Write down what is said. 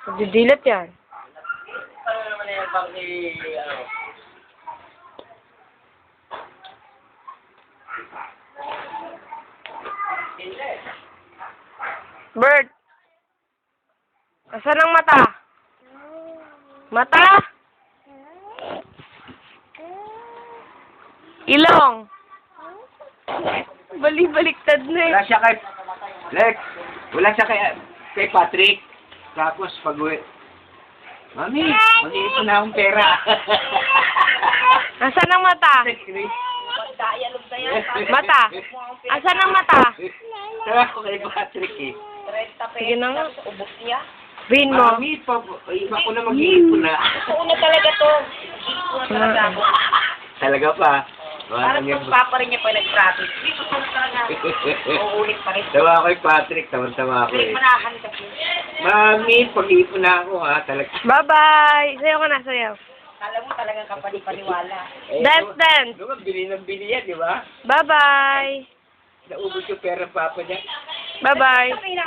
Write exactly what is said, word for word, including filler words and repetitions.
Didilat yan. Ano naman yan, bang si, ano? Bert! Asan ang mata? Mata? Ilong? Bali-baliktad na eh. Wala siya kay, Lex, wala siya kay, kay Patrick. Tapos pag uwi, Mami, mag-iipon na akong pera. Asan ang mata? Mata? Asan ang mata? Sabi ko kay Patrick eh. Sige na nga. Ubos niya. Bihin mo. Mami, pa, iba ko na mag-iipon na. Totoo na talaga to. Iipon na talaga ako. Talaga pa. Parang pagpapa rin niya pa nag-practice. Dito ko na talaga. Uulit pa rin. Tawa ko kay Patrick, tawang-tawa ako Ulit eh. manahan kasi. Mami, pag-iipon na ako ha, talaga. Bye-bye! Sayaw ka na, sayaw. Alam mo talagang kapani-paniwala. Eh, Dance, no- dance! Noon, bili ng bili yan, di ba? Bye-bye! Naubos yung pera ng papa niya. Bye-bye! Sabi na